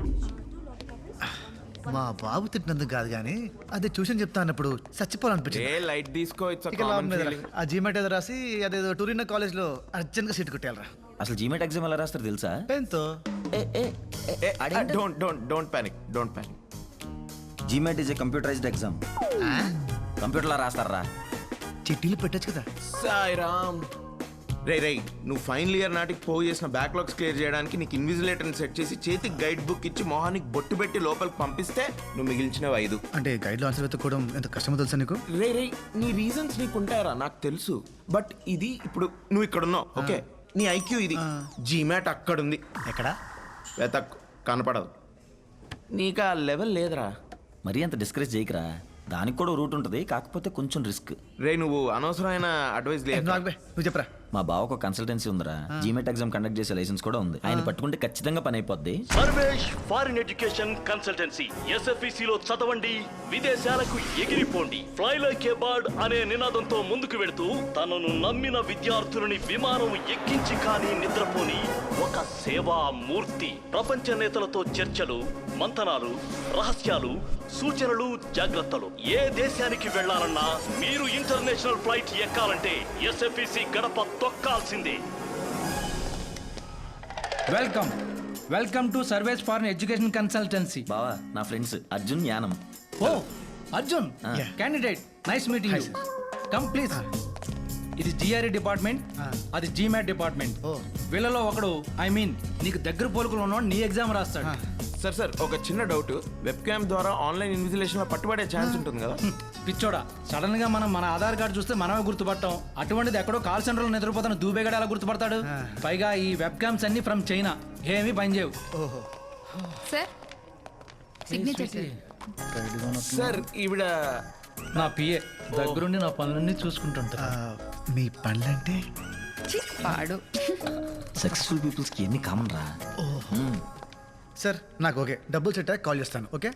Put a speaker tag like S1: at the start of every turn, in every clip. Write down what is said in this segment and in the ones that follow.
S1: మా బాబు తిట్టినందుకు కాదు కానీ అదే ట్యూషన్ చెప్తా అన్నప్పుడు చచ్చిపోవాలనిపించింది.
S2: లైట్ తీసుకో.
S1: ఇక లాభం లేదురా. ఆ జీమెట్ ఏదో రాసి అదేదో టూరిన్ కాలేజ్ లో అర్జెంట్ గా సీట్ కొట్టేయాలరా.
S3: అసలు జీమెట్ ఎగ్జామ్ ఎలా రాస్తారు తెలుసా?
S1: పెన్తో.
S2: Don't panic.
S3: GMAT is a computerised exam. కంప్యూటర్లో రాస్తారా?
S1: చిట్టీలు పెట్టచ్చు కదా.
S2: సాయిరామ్. రే నువ్వు ఫైనల్ ఇయర్ నాటికి పోగు చేసిన బ్యాక్లాగ్స్ క్లియర్ చేయడానికి నీకు ఇన్విజిలేటర్ని సెట్ చేసి చేతికి గైడ్ బుక్ ఇచ్చి మొహానికి బొట్టు పెట్టి లోపలికి పంపిస్తే నువ్వు మిగిల్చినవి 5.
S1: అంటే గైడ్ లో ఆన్సర్ వెతుక్కోవడం ఎంత కష్టమో తెలుసా నీకు?
S2: రే నీ రీజన్స్ నీకు ఉంటాయరా నాకు తెలుసు. బట్ ఇది ఇప్పుడు నువ్వు ఇక్కడ ఉన్నావు, ఓకే? నీ ఐక్యూ ఇది. జీమాట్ అక్కడ ఉంది.
S1: ఎక్కడ?
S2: వెతక్ కనపడదు. నీకు ఆ లెవెల్ లేదురా.
S3: మరీ అంత డిస్కరేజ్ చేయకరా. దానికి కూడా రూట్ ఉంటుంది, కాకపోతే కొంచెం రిస్క్.
S2: రే నువ్వు అనవసరమైన అడ్వైస్ లేదు.
S1: నువ్వు చెప్పరా.
S3: మా బావకు కన్సల్టెన్సీ ఉందిరా. జీమెట్ ఎగ్జామ్ కండక్ట్ చేసే లైసెన్స్ కూడా ఉంది. ఆయన పట్టుకుంటే ఖచ్చితంగా పని అయిపోద్ది.
S4: Sarvesh foreign education consultancy. SFEC లో చదవండి, విదేశాలకు ఎగిరిపోండి. ఫ్లై లైక్ ఏ బర్డ్ అనే నినాదంతో ముందుకు వెళుతూ తనను నమ్మిన విద్యార్థులని విమానం ఎక్కించి కానీ నిద్రపోని ఒక సేవా మూర్తి. ప్రపంచ నేతలతో చర్చలు, మంతనాలు, రహస్యాలు, సూచనలు, జాగ్రత్తలు. ఏ దేశానికి వెళ్లాలన్నా మీరు ఇంటర్నేషనల్ ఫ్లైట్ ఎక్కాలంటే SFEC గడప తొక్కాల్సిందే.
S5: Welcome to Sarves for education consultancy.
S3: బావా నా friends Arjun, Yanam.
S5: Oh Arjun, candidate, nice meeting you. Come please. ఇది GRE డిపార్ట్మెంట్, అది GMAT డిపార్ట్మెంట్. వీళ్ళలో ఒకడు నీకు దగ్గర పోలుకులు ఉన్నవాడు నీ ఎగ్జామ్ రాస్తాడు.
S2: సార్ ఒక చిన్న డౌట్. వెబ్ క్యామ్ ద్వారా ఆన్లైన్ ఇన్విజిలేషన్ లో పట్టుబడే ఛాన్స్ ఉంటుంది కదా?
S5: పిచ్చోడా, సడన్ గా మన ఆధార్ కార్డు చూస్తే మనమే గుర్తుపట్టాం. అటువంటిది ఎక్కడో కాల్ సెంటర్ లో నిద్రపోతాను దూబేగాడు ఎలా గుర్తుపడతాడు? పైగా ఈ వెబ్ క్యామ్స్ అన్ని ఫ్రమ్ చైనా, ఏమీ పనిచేయవు.
S6: సార్ సిగ్నేచర్
S2: సార్ ఈవిడ
S5: నా పిఏ, దగ్గరుండి నా పనులన్నీ చూసుకుంటుంటా.
S1: మీ పనులంటే
S6: పాడు.
S3: సక్సెస్ఫుల్ పీపుల్స్ కి ఎన్ని కామన్ రా.
S1: సార్ నాకు ఓకే, డబ్బులు సెట్ కాల్ చేస్తాను. ఓకే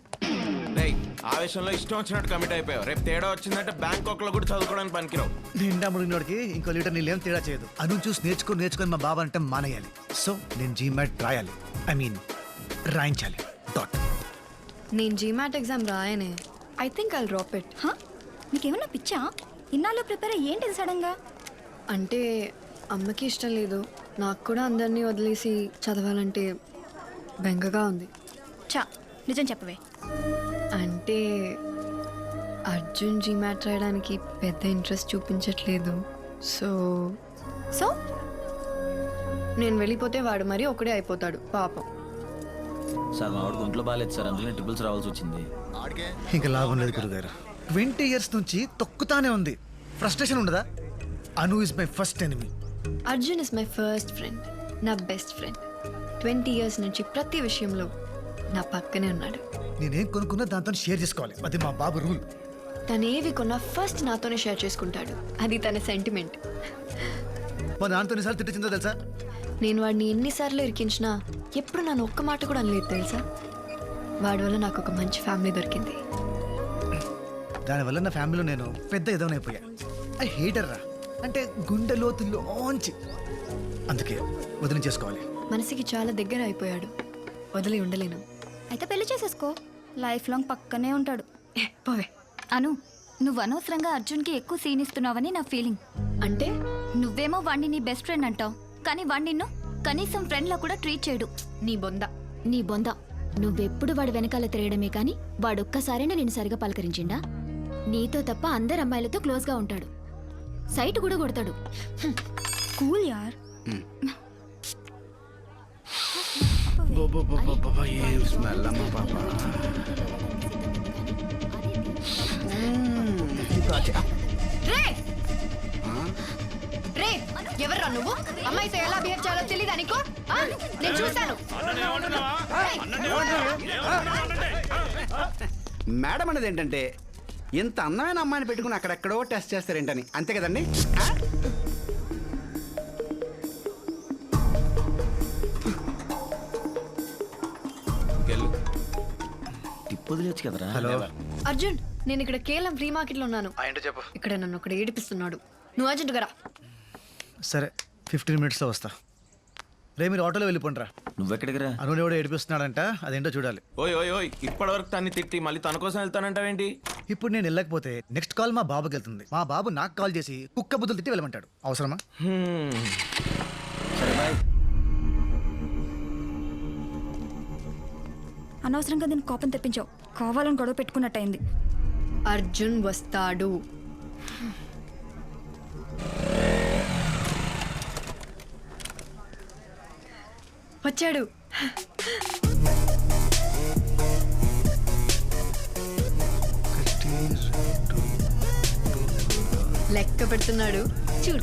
S2: ఆవేశంలో ఇష్టం వచ్చినట్టు కమిట్ అయిపోయావు. రేపు తేడా వచ్చిందంటే బ్యాంకాక్ లో కూడా చదువుకోవడానికి పనికిరావు.
S1: నిండా ముడినోడికి ఇంకో లీటర్ నీళ్ళేం తేడా చేయదు. అను చూసి నేర్చుకొని మా బాబా అంటే మానేయాలి. సో నేను జీమాట్ రాయాలి, రాయించాలి. డాట్.
S6: నేను GMAT ఎగ్జామ్ రాయనే. I think I'll drop it.
S7: నీకేమన్నా పిచ్చా? ఇన్నాళ్ళు ప్రిపేర్ అయ్యేంటి సడన్ గా?
S6: అంటే అమ్మకి ఇష్టం లేదు, నాకు కూడా అందరినీ వదిలేసి చదవాలంటే బెంగగా ఉంది.
S7: చా, నిజం చెప్పవే.
S6: అంటే అర్జున్ GMAT రాయడానికి పెద్ద ఇంట్రెస్ట్ చూపించట్లేదు. సో
S7: సో
S6: నేను వెళ్ళిపోతే వాడు మరీ ఒకడే అయిపోతాడు పాపం.
S3: సార్ మా వాడికి ఒంట్లో బాగాలేదు సార్, అందుకనే ట్రిపుల్స్ రావాల్సి వచ్చింది.
S1: ఇంకా లాభం లేదు గురుగారు. 20 years నుంచి తొక్కుతానే ఉంది. ఫ్రస్ట్రేషన్ ఉండదా? Anu is my first enemy.
S6: Arjun is my first friend, నా బెస్ట్ ఫ్రెండ్. 20 years నుంచి ప్రతి విషయంలో నా పక్కనే ఉన్నాడు.
S1: నేనేం కొనుక్కున్నా దాంతో షేర్ చేసుకోవాలి, అది మా బాబు రూల్.
S6: తనేవి కొన్నా ఫస్ట్ నాతోనే షేర్ చేసుకుంటాడు, అది తన సెంటిమెంట్.
S1: మా దాంతో ఎన్నిసార్లు తిట్టిందో తెలుసా?
S6: నేను వాడిని ఎన్నిసార్లు ఇరికించినా ఎప్పుడు నన్ను ఒక్క మాట కూడా అనలేదు తెలుసా. వాడి వల్ల నాకు ఒక మంచి ఫ్యామిలీ దొరికింది.
S1: దానివల్ల నా ఫ్యామిలీలో నేను పెద్ద ఎదవనైపోయా. ఐ హేటర్ రా, అంటే గుండె లోతుల్లోంచి. అందుకే వదిలి చేసుకోవాలి.
S6: మనసుకి చాలా దగ్గర అయిపోయాడు, వదిలి ఉండలేను.
S7: అయితే పెళ్లి చేసేసుకో, లైఫ్ లాంగ్ పక్కనే ఉంటాడు.
S6: పోవే.
S7: అను, నువ్వు అనవసరంగా అర్జున్కి ఎక్కువ సీన్ ఇస్తున్నావని నా ఫీలింగ్.
S6: అంటే
S7: నువ్వేమో వాణ్ణి నీ బెస్ట్ ఫ్రెండ్ అంటావు, కానీ వాణ్ణి నిన్ను కనీసం ఫ్రెండ్ లా కూడా ట్రీట్ చేయడు.
S8: నీ బొంద నువ్వెప్పుడు వాడి వెనకాల తిరగడమే కానీ వాడొక్కసారైనా నేను సరిగా పలకరించిండా? నీతో తప్ప అందరు అమ్మాయిలతో క్లోజ్ గా ఉంటాడు, సైట్ కూడా కొడతాడు.
S7: కూల్ యార్.
S9: ఏం స్మెల్ అమ్మా పాప.
S6: ఎవర్రా నువ్వు? అమ్మాయితో ఎలా బిహేవ్ చేయాలో తెలీదా నీకు? నేను చూశాను.
S9: మేడం అనేది ఏంటంటే ఇంత అందమైన అమ్మాయిని పెట్టుకుని అక్కడెక్కడో టెస్ట్ చేస్తారేంటని, అంతే కదండి?
S3: టిప్ వదిలేచ్చు కదరా.
S1: హలో
S6: అర్జున్, నేను ఇక్కడ కేవలం ఫ్రీ మార్కెట్ లో ఉన్నాను.
S1: ఏంటో చెప్పు.
S6: ఇక్కడ నన్ను ఒకటి ఏడిపిస్తున్నాడు. నువ్వు అర్జెంట్ గరా.
S1: సరే 15 minutes వస్తా. రే మీరు ఆటోలో వెళ్ళిపోండిరా.
S3: నువ్వెక్కడికి రా?
S1: అను ఎవడో ఏడిపిస్తున్నాడంట, అదేంటో చూడాలి.
S2: ఓయ్ ఓయ్ ఓయ్ ఇప్పటివరకు తన్ని తిట్టి మళ్ళీ తన కోసం వెళ్తానంటావేంటి?
S1: ఇప్పుడు నేను వెళ్ళకపోతే నెక్స్ట్ కాల్ మా బాబుకి వెళ్తుంది. మా బాబు నాకు కాల్ చేసి కుక్క బుద్ధులు తిట్టి వెళ్ళమంటాడు. అవసరమా?
S3: సరే బాయ్.
S7: అనవసరంగా దీన్ని కోపం తెప్పించావు. కావాలని గొడవ పెట్టుకున్నట్టయింది.
S6: అర్జున్ వస్తాడు. వచ్చాడు. లెక్క పెడుతున్నాడు చూడు.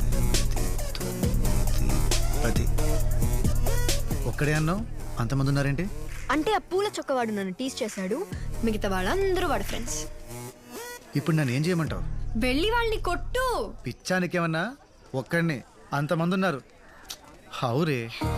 S1: అది ఒక్కడే అన్నావు, అంతమంది ఉన్నారేంటి?
S6: అంటే ఆ పూల చొక్కవాడు నన్ను టీస్ చేశాడు, మిగతా వాళ్ళందరూ వాడు ఫ్రెండ్స్.
S1: ఇప్పుడు నన్ను ఏం చేయమంటావు?
S6: వెళ్ళి వాళ్ళని కొట్టు.
S1: పిచ్చానికేమన్నా? ఒక్కడిని అంతమంది ఉన్నారు. హౌరే.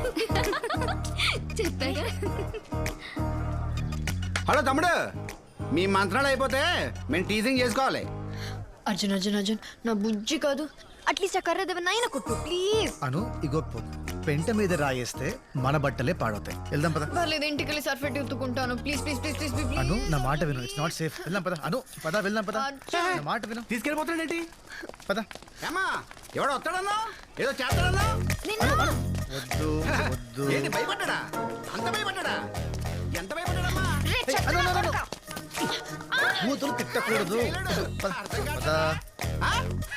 S9: హలో తమ్ముడు, మీ మంత్రాలు అయిపోతే మేము టీజింగ్ చేసుకోవాలి.
S6: అర్జున్ అర్జున్ అర్జున్ నా బుజ్జి కాదు, అట్లీస్ట్ ఆ కర్ర దేవనైనా కొట్టు ప్లీజ్.
S1: అను ఇగో పెంట మీద రాయేస్తే మన బట్టలే పాడవుతాయి. వెళ్దాం పద.
S6: పర్లేదు, ఇంటికి వెళ్ళి సర్ఫెట్ ఎత్తుకుంటాను. Please please please please please.
S1: Anu నా మాట విను, ఇట్స్ నాట్ సేఫ్. వెళ్దాం పద. అను పద, వెళ్దాం పద. నా మాట విను,
S9: తీసుకెళ్ళిపోతాడేంటి?
S1: పద.
S9: ఏమా ఎవడో వస్తాడన్నా, ఏదో చేస్తాడన్నా?
S1: వద్దు వద్దు.
S9: ఏంటి భయపడ్డా? అంత భయపడ్డా? ఎంత భయపడ్డాడమ్మా?
S1: అను, అను, అను, అను. కూతురు తిట్టకూడదు. పద, పద.
S9: ఆ?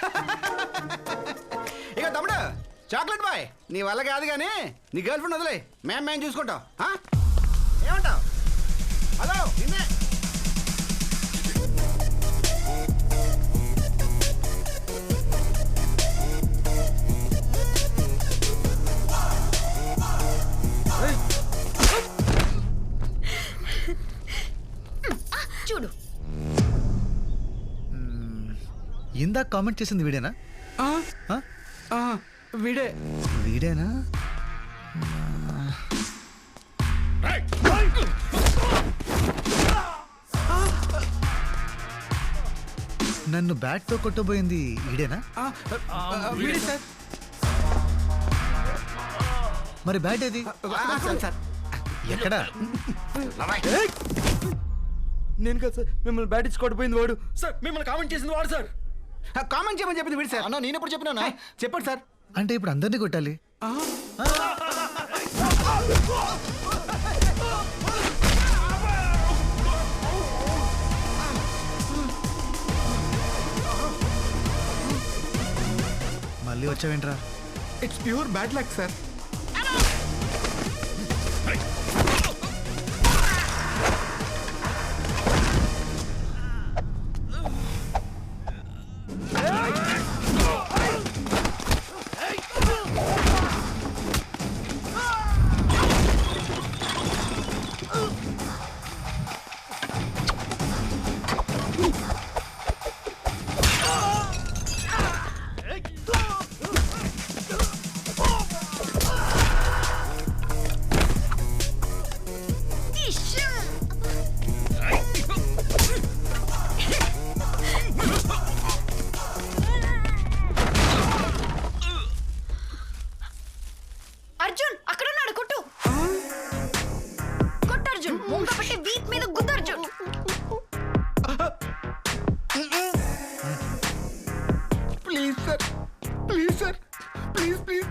S9: ఇక తమ్ముడు చాక్లెట్ బాయ్, నీ వల్ల కాదు కానీ నీ గర్ల్ ఫ్రెండ్ వదిలే, మేము చూసుకుంటాం. ఆ? ఏమంటావు? హలో నిన్నే.
S6: చూడు,
S1: ఇందాక కామెంట్ చేసింది వీడేనా?
S9: వీడే.
S1: వీడేనా? నన్ను బ్యాట్ తో కొట్టబోయింది ఈడేనా?
S9: వీడే సార్.
S1: మరి బ్యాట్ ఏది?
S9: సార్
S1: ఎక్కడా?
S2: నేను కదా సార్ మిమ్మల్ని బ్యాట్ ఇచ్చి కొట్టిపోయింది వాడు. సార్ మిమ్మల్ని కామెంట్ చేసింది వాడు సార్.
S9: కామెంట్ చేయమని చెప్పింది వీడు సార్.
S3: అన్న నేను ఎప్పుడు చెప్పినా?
S9: చెప్పండి సార్.
S1: అంటే ఇప్పుడు అందరినీ కొట్టాలి? మళ్ళీ వచ్చావేంట్రా?
S9: It's pure bad luck sir.
S6: Arjun అక్కడ ఉన్నాడు, కొట్టు కొట్టు అర్జున్. ముంగ పట్టి వీక్ మీద గుద్దు Arjun.
S9: Please sir, please sir, please please.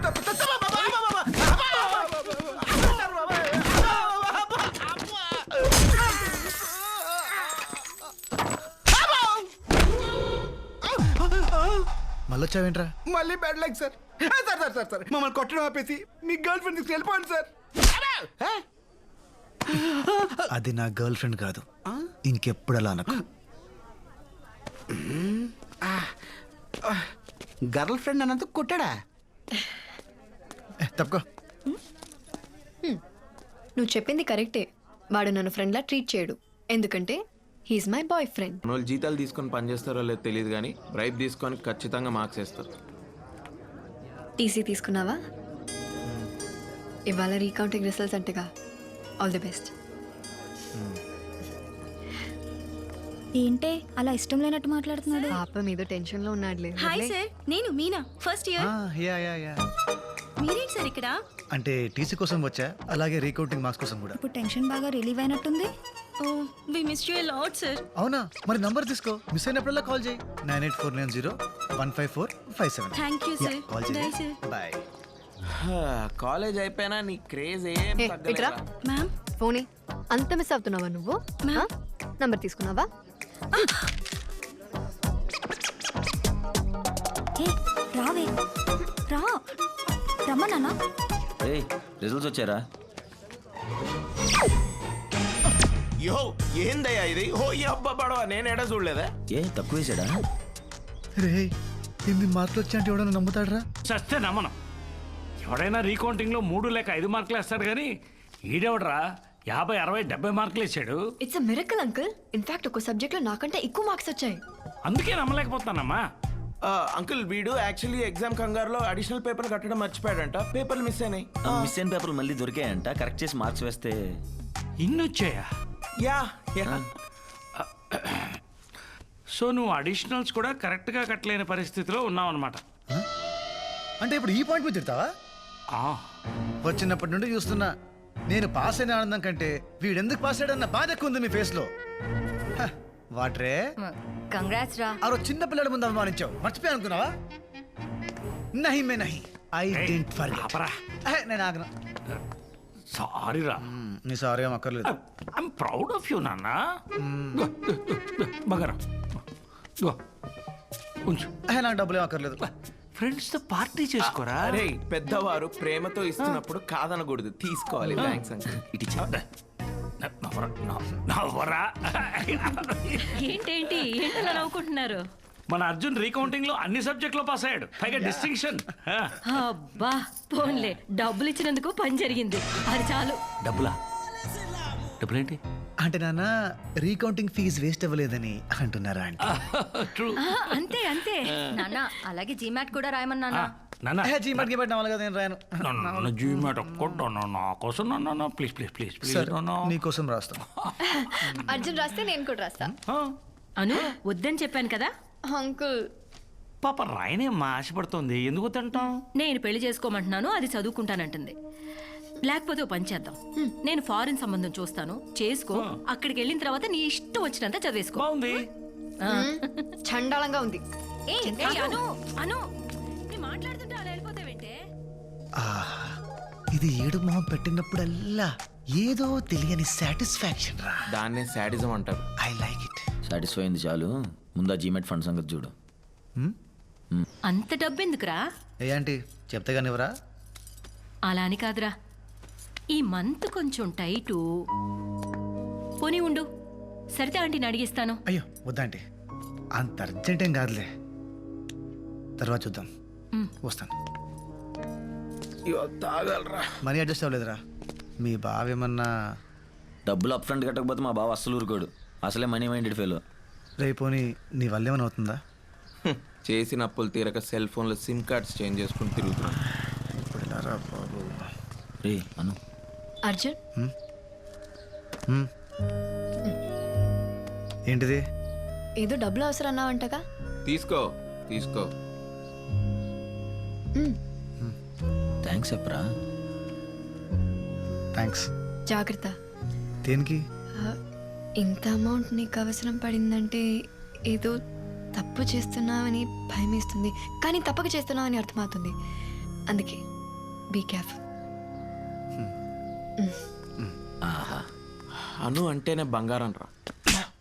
S1: మళ్ళీ వచ్చావేంట్రా?
S9: మళ్ళీ bad luck sir. Sir sir sir sir మమ్మల్ని కొట్టడం ఆపేసి మీ గర్ల్ ఫ్రెండ్ తీసుకు వెళ్ళిపోండి సార్.
S1: అది నా గర్ల్ ఫ్రెండ్ కాదు, ఇంకెప్పుడు అలా అనకు.
S9: గర్ల్ ఫ్రెండ్ అన్నందుకు కొట్టాడా?
S1: తప్పుకో.
S6: నువ్వు చెప్పింది కరెక్టే. వాడు నన్ను ఫ్రెండ్లా ట్రీట్ చేయడు, ఎందుకంటే హీస్ మై బాయ్ ఫ్రెండ్.
S2: వాళ్ళు జీతాలు తీసుకొని పని చేస్తారో లేదో తెలియదు కానీ బ్రైబ్ తీసుకొని ఖచ్చితంగా మార్క్స్ వేస్తారు.
S6: టీసీ తీసుకున్నావా? ఇవాళ రీకౌంటింగ్ రిజల్ట్స్ అంటగా. All the best.
S7: ఏంటే అలా ఇష్టం లేనట్టు మాట్లాడుతున్నాడు?
S6: పాప మీద టెన్షన్ లో ఉన్నాడులే.
S7: హాయ్ సార్, నేను Meena, first year.
S1: Yeah yeah yeah.
S7: మీరేంటి సార్ ఇక్కడ?
S1: అంటే టీసీ కోసం వచ్చా, అలాగే రీకౌంటింగ్ మార్క్స్ కోసం కూడా.
S7: ఇప్పుడు టెన్షన్ బాగా రిలీవ్ అయినట్టుంది.
S8: We miss you lot sir.
S1: అవునా, మరి నంబర్ తీసుకో, మిస్ అయినప్పుడల్లా కాల్ చేయి. 9849015457.
S8: Thank you sir.
S1: Call
S8: bye
S1: చేయి.
S8: సార్.
S1: బాయ్.
S2: కాలేజ్ అయిపోయినా నీ క్రేజ్ ఏం
S6: ఇట్రా
S2: తగ్గలేదా?
S8: మ్యామ్
S6: ఫోనీ అంత మిస్ అవుతున్నావా నువ్వు? నంబర్ తీసుకున్నావా?
S7: ఏ రావే రా రమ్మన్నా.
S3: ఏయ్ రిజల్ట్స్ వచ్చారా?
S2: యో ఏందయ్యా ఇది? ఓ ఈ అబ్బా పడవ నేను ఎడ చూడలేదా?
S3: ఏ తక్కువ వేసాడా?
S1: రే ఇన్ని మార్కులు వచ్చా అంటే ఎవడన్నా నమ్ముతాడరా?
S4: చస్తే నమ్మను. ఎవడైనా రీకౌంటింగ్ లో 3 లేక 5 మార్కులు వేస్తాడు కానీ ఈడెవడరా 50, 60, 70 మార్కులు వేసాడు.
S6: It's a miracle uncle. In fact ఒక సబ్జెక్ట్ లో నాకంటే ఎక్కువ మార్క్స్ వచ్చాయి.
S4: అందుకే నమ్మలేకపోతానమ్మా.
S2: అంకుల్ వీడు యాక్చువల్లీ ఎగ్జామ్ కంగారులో అడిషనల్ పేపర్ కట్టడం మర్చిపోయాడంట, పేపర్లు మిస్ అయినాయి.
S3: మిస్ అయిన పేపర్లు మళ్ళీ దొరికాయంట, కరెక్ట్ చేసి మార్క్స్ వేస్తే.
S4: ఇన్ని వచ్చాయా?
S2: యా
S4: సో నువ్వు అడిషనల్స్ కూడా కరెక్ట్ గా కట్టలేని పరిస్థితిలో ఉన్నావు అనమాట.
S1: అంటే ఇప్పుడు ఈ పాయింట్ మీద తిడతావా? వచ్చినప్పటి నుండి చూస్తున్నా, నేను పాస్ అయిన ఆనందం కంటే వీడెందుకు పాస్ అయ్యాడన్న బాధ ఎక్కువ ఉంది మీ ఫేస్ లో. హ, వాట్రే
S7: కంగ్రాట్స్ రా.
S1: ఆ రోజు చిన్న పిల్లల ముందు అవమానించావు, మర్చిపోయా అనుకున్నావా? నహి మే నహి, ఐ డెంట్ ఫర్గెట్.
S4: ఆపరా.
S1: నేను ఆగను.
S4: సారీ రా.
S1: నీ సారీ ఏం అక్కర్లేదు.
S4: ఐఎమ్ ప్రౌడ్ ఆఫ్ యూ నాన్న. బగరా ఉంచు.
S1: నాకు డబ్బులు ఏం అక్కర్లేదు.
S4: ఫ్రెండ్స్ తో పార్టీ చేసుకోరా.
S2: అరే పెద్దవారు ప్రేమతో ఇస్తున్నప్పుడు కాదనకూడదు, తీసుకోవాలి. Thanks uncle.
S3: ఇటు
S4: నవ్వరా.
S8: ఏంటేంటి ఏంటలా నవ్వుకుంటున్నారు?
S4: మన అర్జున్ రీకౌంటింగ్ లో అన్ని సబ్జెక్ట్ లో పాస్ అయ్యాడు, పైగా డిస్టింక్షన్.
S8: అబ్బా పోన్లే, డబ్బులు ఇచ్చినందుకు పని జరిగింది, అది చాలు.
S4: డబ్బులా? డబ్బులేంటి?
S1: అంటే నాన్న రీకౌంటింగ్ ఫీజు వేస్ట్ అవ్వలేదని అంటున్నారా అంటే?
S4: ట్రూ.
S8: అంతే అంతే నాన్న. అలాగే జీమాట్ కూడా రాయమన్నా.
S4: నాన్న
S1: జీమాట్ గిమాట్ నవ్వాలి కదా, నేను రాయను.
S4: నన్ను జీమాట్ ఒక్కటి నా కోసం నాన్న, ప్లీజ్ ప్లీజ్ ప్లీజ్ ప్లీజ్ నాన్న.
S1: నీకోసం రాస్తాను.
S6: అర్జున్ రాస్తే నేను కూడా రాస్తా.
S8: అను వద్దని చెప్పాను కదా
S6: అంకుల్.
S4: పాప రాయనేమ్మా ఆశపడుతోంది, ఎందుకు తింటాం?
S8: నేను పెళ్లి చేసుకోమంటున్నాను, అది చదువుకుంటానంటుంది. లేకపోతే ఓ పని చేద్దాం, నేను ఫారిన్ సంబంధం చూస్తాను, చేసుకో. అక్కడికి వెళ్ళిన తర్వాత నీ ఇష్టం వచ్చినంత చదివేసుకో.
S4: బాగుంది.
S6: చండాలంగా ఉంది.
S8: అను అను నేను మాట్లాడుతుంటే అలా వెళ్ళిపోతావేంటే?
S1: ఇది ఏడు మొహం పెట్టినప్పుడల్లా ఏదో తెలియని సాటిస్ఫాక్షన్ రా.
S2: దాన్నే శాడిజం అంటారు.
S1: I like it.
S3: సాటిస్ఫై అయింది చాలు, ముందు ఆ జీమెట్ ఫండ్ సంగతి చూడు.
S8: అంత డబ్బెందుకురా?
S1: ఏంటి చెప్తే కానివరా?
S8: అలా అని కాదురా, ఈ మంత్ కొంచెం టైటు. పోనీ ఉండు, సరితే ఆంటీని అడిగిస్తాను.
S1: అయ్యో వద్దంటే, అంత అర్జెంట్ ఏం కాదులే, తర్వాత చూద్దాం. వస్తాను.
S2: తాగలరా.
S1: Money adjust అవ్వలేదురా. మీ బావ ఏమన్నా?
S3: డబ్బులు అప్ ఫ్రంట్ కట్టకపోతే మా బావ అస్సలు ఊరుకోడు, అసలే మనీ మైండెడ్ ఫెలో.
S1: రేపోని నీ వల్ల ఏమైనా అవుతుందా?
S2: చేసిన అప్పులు తీరక సెల్ ఫోన్లో సిమ్ కార్డ్స్ చేంజ్ చేసుకుని తిరుగుతున్నా.
S1: ఇప్పుడు ఎలా రా బాబు?
S3: రే అను.
S6: అర్జున్
S1: ఏంటిది?
S6: ఏదో డబ్బులు అవసరం అన్నావంటగా.
S2: తీసుకో తీసుకో.
S3: థ్యాంక్స్ చెప్పరా.
S1: థ్యాంక్స్.
S6: జాగ్రత్త.
S1: దేనికి?
S6: ఇంత అమౌంట్ నీకు అవసరం పడిందంటే ఏదో తప్పు చేస్తున్నావని భయం వేస్తుంది, కానీ తప్పక చేస్తున్నావని అర్థమవుతుంది. అందుకే బీ కేర్ఫుల్.
S3: ఆహా
S2: అను అంటేనే బంగారం రా.